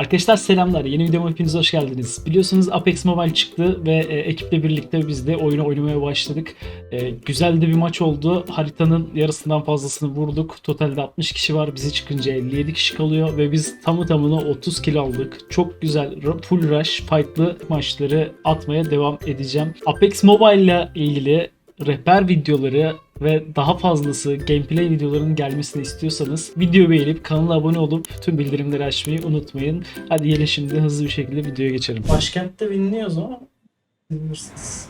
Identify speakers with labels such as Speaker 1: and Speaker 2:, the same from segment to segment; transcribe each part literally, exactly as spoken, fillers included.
Speaker 1: Arkadaşlar selamlar. Yeni videoma hepiniz hoş geldiniz. Biliyorsunuz Apex Mobile çıktı ve e, ekiple birlikte biz de oyunu oynamaya başladık. E, güzel de bir maç oldu. Haritanın yarısından fazlasını vurduk. Totalde altmış kişi var. Bizi çıkınca elli yedi kişi kalıyor ve biz tamı tamına otuz kill aldık. Çok güzel full rush fight'lı maçları atmaya devam edeceğim. Apex Mobile ile ilgili rehber videoları ve daha fazlası gameplay videolarının gelmesini istiyorsanız videoyu beğenip kanala abone olup tüm bildirimleri açmayı unutmayın. Hadi gelin şimdi hızlı bir şekilde videoya geçelim. Başkentte binliyoruz ama bilmirsiniz.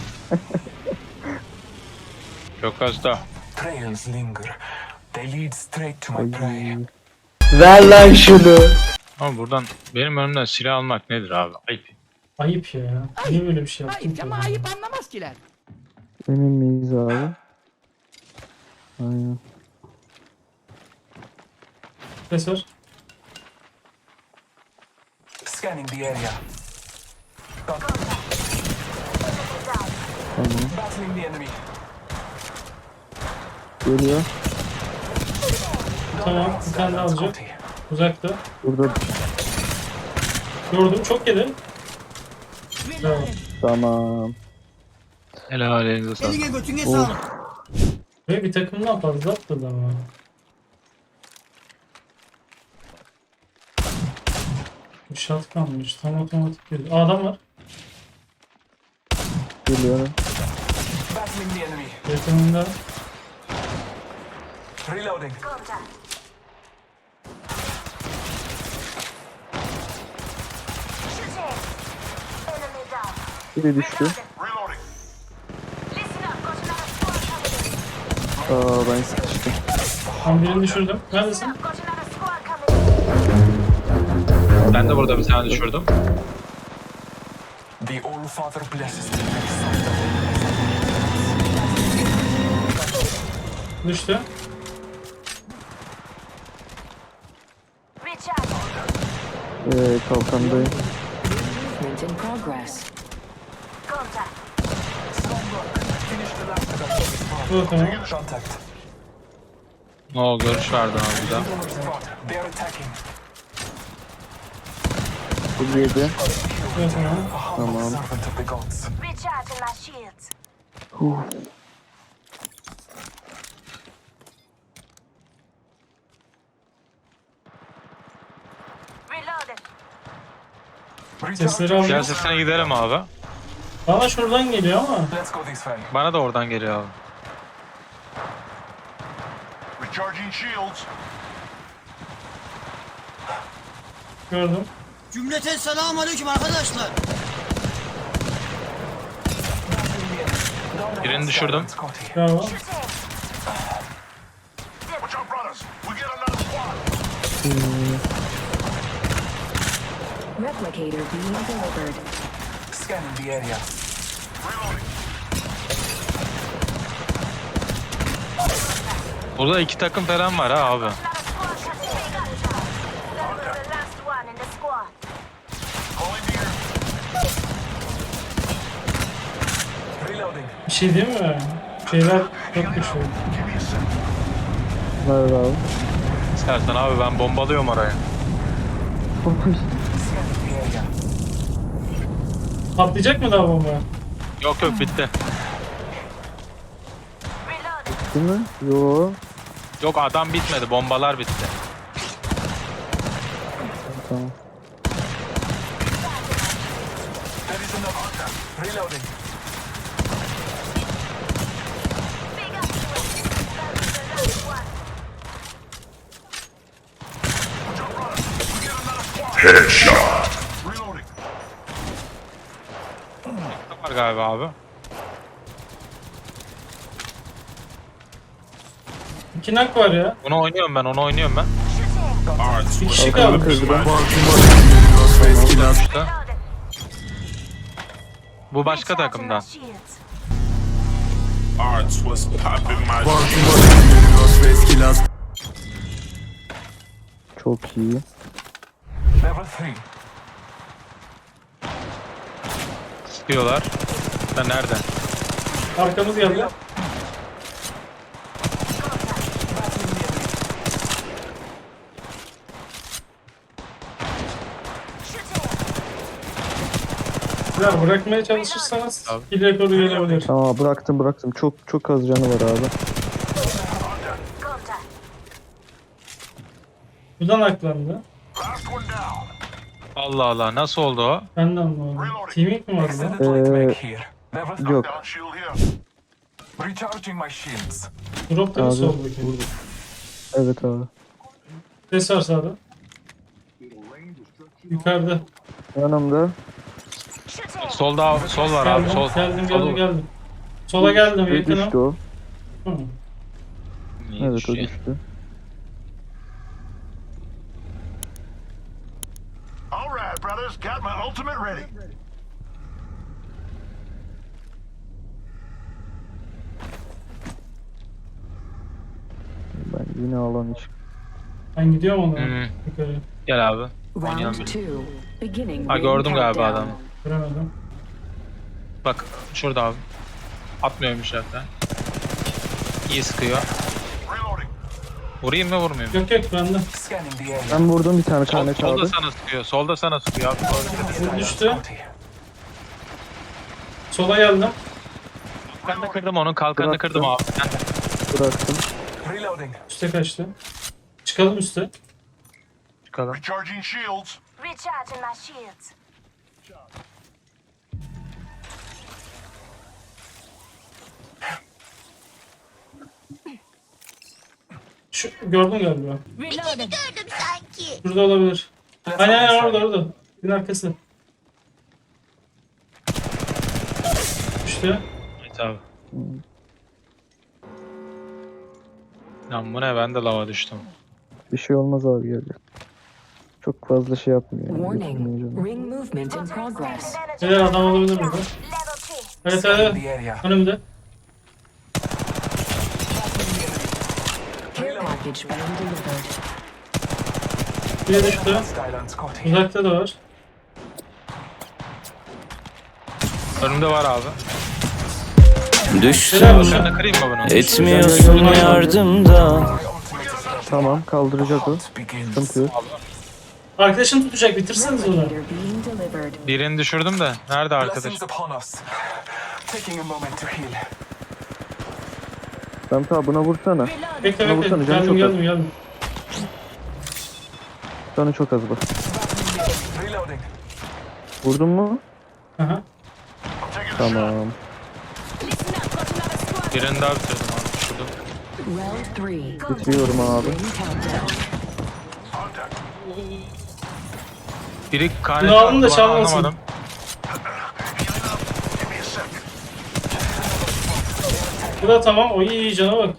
Speaker 2: Çok hasta.
Speaker 3: Trails linger. They lead straight to my prey.
Speaker 1: Ver lan şunu.
Speaker 2: Ama buradan benim önümden silah almak nedir abi? Ayıp.
Speaker 1: Ayıp ya. Niye böyle bir şey yaptın
Speaker 4: Ayıp
Speaker 1: ki?
Speaker 4: ama ayıp anlamaz kiler.
Speaker 5: Emin miyiz abi? Aynen.
Speaker 1: Profesör.
Speaker 3: Scanning the area. Got
Speaker 5: Tamam.
Speaker 3: battling the enemy.
Speaker 5: Geliyor.
Speaker 1: Tamam. Bir tane daha alacak.
Speaker 3: Scotty.
Speaker 1: Uzakta.
Speaker 5: Burada.
Speaker 1: Gördüm. Çok yedi. Tamam.
Speaker 5: Tamam.
Speaker 2: Helal elinize sağlık.
Speaker 4: Eline götüne
Speaker 5: Oh.
Speaker 4: sağlık.
Speaker 1: Ve bir takımdan fazla atladı ama. Bir şat kalmış. Tam otomatik geliyor. Aa, adam var.
Speaker 5: Geliyorum.
Speaker 3: Battling the enemy.
Speaker 1: Yakınında.
Speaker 3: Reloading.
Speaker 5: Biri düştü. Aa ben sıkıştım.
Speaker 1: Ben birini düşürdüm. Neredesin?
Speaker 2: Ben de burada bir tane düşürdüm.
Speaker 3: The All Father blesses the
Speaker 1: Düştü.
Speaker 5: Ee, kalkandayım.
Speaker 6: Movement in progress.
Speaker 3: Finish the last of that.
Speaker 1: Bu tamam.
Speaker 3: Contact.
Speaker 2: O görüş vardı abi burada.
Speaker 3: Spot. They're attacking.
Speaker 5: Bu yedi.
Speaker 1: Bu tamam.
Speaker 3: A humble
Speaker 5: Tamam.
Speaker 3: servant of the gods.
Speaker 6: Recharging my shields.
Speaker 5: Huh.
Speaker 6: Reloading.
Speaker 1: Sesleri
Speaker 3: Recharge.
Speaker 2: Gel
Speaker 1: aldım.
Speaker 2: sesine gidelim abi.
Speaker 1: Bana şuradan geliyor ama.
Speaker 3: Let's go this way.
Speaker 2: Bana da oradan geliyor abi.
Speaker 7: Recharging shields.
Speaker 1: Gördüm.
Speaker 4: Cümleten selamun aleyküm arkadaşlar.
Speaker 2: Birini düşürdüm.
Speaker 3: Scotty.
Speaker 1: Bravo.
Speaker 7: Watch out, brothers. We get another squad.
Speaker 6: Replicator being delivered.
Speaker 3: Scanning the area.
Speaker 7: Reloading.
Speaker 2: Burada iki takım falan var ha abi.
Speaker 6: Another squad coming in. That was the last one in the squad.
Speaker 7: Calling the air.
Speaker 3: Reloading.
Speaker 1: Bir şey değil mi? Şeyler çok güçlü.
Speaker 7: Give me a sec.
Speaker 5: Nerede abi?
Speaker 2: İstersen abi ben bombalıyorum orayı.
Speaker 3: Scanning the area.
Speaker 1: Patlayacak mı daha bomba?
Speaker 2: Yok yok bitti.
Speaker 6: Reloading.
Speaker 5: Değil mi? Yo.
Speaker 2: Yok adam bitmedi, bombalar bitti.
Speaker 5: Tamam.
Speaker 3: There is another. Reloading.
Speaker 6: Big up to it. That was the last one.
Speaker 7: Watch out, brothers. We get another squad. Headshot. Reloading.
Speaker 2: Var galiba abi.
Speaker 1: İki nak var ya.
Speaker 2: Onu oynuyorum ben, onu oynuyorum ben.
Speaker 1: Bir kişi kaldı.
Speaker 2: Düştü.
Speaker 6: Reloading.
Speaker 2: Bu başka
Speaker 6: Recharging
Speaker 2: takımdan.
Speaker 6: my shields.
Speaker 7: Arts was popping my
Speaker 5: Çok iyi.
Speaker 3: Level three.
Speaker 2: Sıkıyorlar. Da nerede?
Speaker 1: Arkamız geldi.
Speaker 3: Battling the enemy.
Speaker 1: Ya bırakmaya çalışırsanız
Speaker 2: Abi.
Speaker 1: bir rekoru gelebilir.
Speaker 5: Tamam bıraktım bıraktım. Çok çok az canı var abi.
Speaker 6: Contact.
Speaker 1: Buradan aklandı.
Speaker 7: Last one down.
Speaker 2: Allah Allah nasıl oldu o?
Speaker 1: Ben de anlamadım. Teaming mi vardı lan?
Speaker 3: Extended light
Speaker 5: Ee,
Speaker 3: mag here. Level
Speaker 5: Yok.
Speaker 7: Down shield here.
Speaker 3: recharging my shields.
Speaker 1: Drop da mı
Speaker 5: Abi
Speaker 1: soldaki?
Speaker 5: burada. Evet abi.
Speaker 1: Ses var sağda. Yukarıda.
Speaker 5: Yanımda.
Speaker 6: Shooting.
Speaker 2: Solda sol var abi
Speaker 1: Geldim,
Speaker 2: sol.
Speaker 1: geldim,
Speaker 2: Sol-
Speaker 1: geldim, geldim. Sola geldim,
Speaker 5: Ve düştü
Speaker 1: yakınım.
Speaker 5: o.
Speaker 1: Hı.
Speaker 2: İyi
Speaker 5: Evet o
Speaker 2: düştü.
Speaker 5: düştü.
Speaker 7: All right, brothers. Got my ultimate ready.
Speaker 5: Ben yine alan iç.
Speaker 1: Ben gidiyorum ona.
Speaker 2: Hı.
Speaker 1: Yukarı.
Speaker 2: Gel abi. Oynayalım
Speaker 8: Round
Speaker 2: bir.
Speaker 8: two. Beginning
Speaker 2: Ha
Speaker 8: ring
Speaker 2: gördüm galiba
Speaker 8: countdown.
Speaker 2: adamı.
Speaker 1: Göremedim.
Speaker 2: Bak şurada abi. Atmıyormuş zaten. İyi sıkıyor.
Speaker 7: Reloading.
Speaker 2: Vurayım mı vurmayayım mı?
Speaker 1: Yok yok bende.
Speaker 3: Scanning the area.
Speaker 5: Ben vurdum bir tane
Speaker 2: Sol,
Speaker 5: karnet
Speaker 2: solda
Speaker 5: abi.
Speaker 2: sana sıkıyor. Solda sana sıkıyor abi.
Speaker 1: Bu düştü.
Speaker 3: Scotty.
Speaker 1: Sola geldim.
Speaker 2: Kalkanını kırdım onun. Kalkanını
Speaker 5: Bıraktım.
Speaker 2: kırdım abi. Sen de.
Speaker 5: Bıraktım.
Speaker 3: Reloading.
Speaker 1: Üste kaçtı. Çıkalım üste.
Speaker 2: Çıkalım.
Speaker 7: Recharging shields.
Speaker 6: Recharging my shields.
Speaker 1: Şu, gördün galiba.
Speaker 6: Reloading. Gördüm sanki.
Speaker 1: Şurada olabilir.
Speaker 3: Let's
Speaker 1: Hani
Speaker 3: go
Speaker 1: hani
Speaker 3: this
Speaker 1: orada
Speaker 3: way.
Speaker 1: orada. Bir arkası. İşte.
Speaker 2: Evet abi. Lan bu ne? Ben de lava düştüm.
Speaker 5: Bir şey olmaz abi gel. gel. Çok fazla şey yapmıyor. Yani.
Speaker 8: Warning.
Speaker 5: Götürmeyeceğim.
Speaker 8: Ring movement in progress.
Speaker 1: Neler adam olabilir burada.
Speaker 6: Level three.
Speaker 1: Evet
Speaker 3: Scanning
Speaker 1: evet.
Speaker 3: the area.
Speaker 1: Önümde.
Speaker 8: Care package being delivered.
Speaker 1: Bir düştü.
Speaker 3: Hostile on Scotty.
Speaker 1: Uzakta da var.
Speaker 2: Önümde var abi.
Speaker 9: Düştüm,
Speaker 1: Selam.
Speaker 2: Sen de kırayım mı bunu?
Speaker 9: etmiyorsun yardımda.
Speaker 3: My ultimate is ready.
Speaker 5: Tamam kaldıracak o.
Speaker 3: Hunt begins.
Speaker 5: Sıkıntı yok.
Speaker 1: Arkadaşın tutacak, bitirseniz onu.
Speaker 8: Leader being delivered.
Speaker 2: Birini düşürdüm de. Nerede arkadaş?
Speaker 3: Blessings upon us. Taking a moment to heal.
Speaker 5: Sen ta buna vursana.
Speaker 1: Bekle
Speaker 5: Buna
Speaker 1: bekle.
Speaker 5: vursana, canı
Speaker 1: Geldim
Speaker 5: çok
Speaker 1: geldim geldim.
Speaker 5: Canı çok az bak.
Speaker 3: Reloading.
Speaker 5: Vurdun mu?
Speaker 1: Aha.
Speaker 7: I'm taking a shot.
Speaker 5: Tamam.
Speaker 6: Listen up, got another squad.
Speaker 2: Birini daha bitirdim abi. Düşürdüm.
Speaker 8: Round three.
Speaker 5: Bitiriyorum abi.
Speaker 8: Ring countdown.
Speaker 7: Contact.
Speaker 2: Biri
Speaker 1: Bunu
Speaker 2: kanet
Speaker 1: alın da
Speaker 2: attı bana,
Speaker 1: çalmasın.
Speaker 2: anlamadım.
Speaker 7: Healing up. Give me a sec.
Speaker 1: Bu da tamam. O iyi iyi cana bak.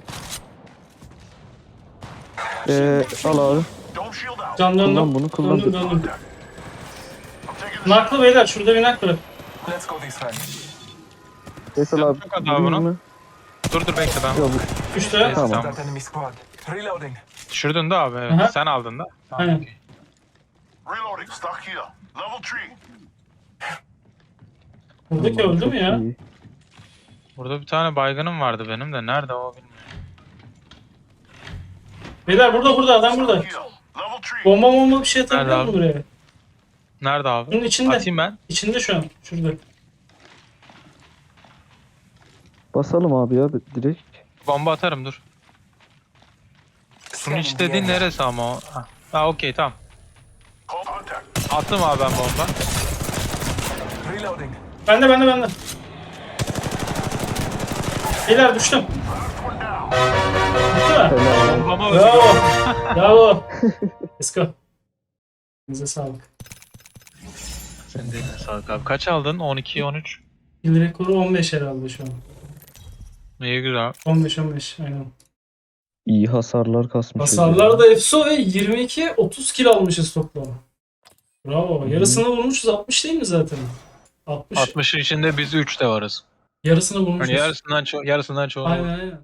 Speaker 5: Ee, al abi.
Speaker 7: Dome shield out.
Speaker 1: Can döndüm.
Speaker 5: Kullan bunu, kullan.
Speaker 1: Döndüm döndüm.
Speaker 7: I'm taking a shot.
Speaker 1: Naklı beyler. Şurada bir nak bırak.
Speaker 3: Let's go this way.
Speaker 5: Faysal abi.
Speaker 2: Çok az abi
Speaker 5: vurayım
Speaker 2: bunu.
Speaker 5: mı?
Speaker 2: Dur dur bekle ben.
Speaker 5: Yok bu-
Speaker 1: Düştü.
Speaker 5: Tamam.
Speaker 3: That enemy squad. Reloading.
Speaker 2: Düşürdün de abi. Evet.
Speaker 1: Aha.
Speaker 2: Sen aldın da. Tamam,
Speaker 1: Aynen.
Speaker 2: okey.
Speaker 7: Reloading. Stock here. Level three.
Speaker 1: Buradaki öldü mü ya?
Speaker 5: İyi.
Speaker 2: Burada bir tane baygınım vardı benim de. Nerede o bilmiyorum.
Speaker 1: Beyler burada burada adam burada.
Speaker 7: Here. Level three.
Speaker 1: Bomba bomba bir şey atabiliyor
Speaker 2: Nerede
Speaker 1: mu buraya?
Speaker 2: Nerede abi?
Speaker 1: Bunun içinde.
Speaker 2: Atayım ben.
Speaker 1: İçinde şu an. Şurada.
Speaker 5: Basalım abi ya direkt.
Speaker 2: Bomba atarım dur. Bunun
Speaker 3: Scanning
Speaker 2: iç
Speaker 3: the
Speaker 2: dediğin
Speaker 3: area.
Speaker 2: neresi ama o? Ha, ha okey tamam.
Speaker 7: Contact.
Speaker 2: Attım abi ben bomba.
Speaker 3: Reloading.
Speaker 1: Bende bende bende. Beyler düştüm. Bitti mi?
Speaker 5: Helal.
Speaker 2: Bombama öldü.
Speaker 1: Bravo. Bravo. Let's go. Bize sağlık.
Speaker 2: Senin de eline sağlık abi. Kaç aldın? on iki on üç.
Speaker 1: Kill rekoru on beş herhalde şu an.
Speaker 2: İyi güzel.
Speaker 1: on beş on beş aynen.
Speaker 5: İyi hasarlar kasmış.
Speaker 1: Hasarlar da efso ve yirmi iki otuz kill almışız toplam. Bravo. Yarısını vurmuşuz. altmış değil mi zaten? altmış.
Speaker 2: altmışın içinde biz üç de varız.
Speaker 1: Yarısını vurmuşuz.
Speaker 2: Hani yarısından çok yarısından çoğu.
Speaker 1: Aynen aynen.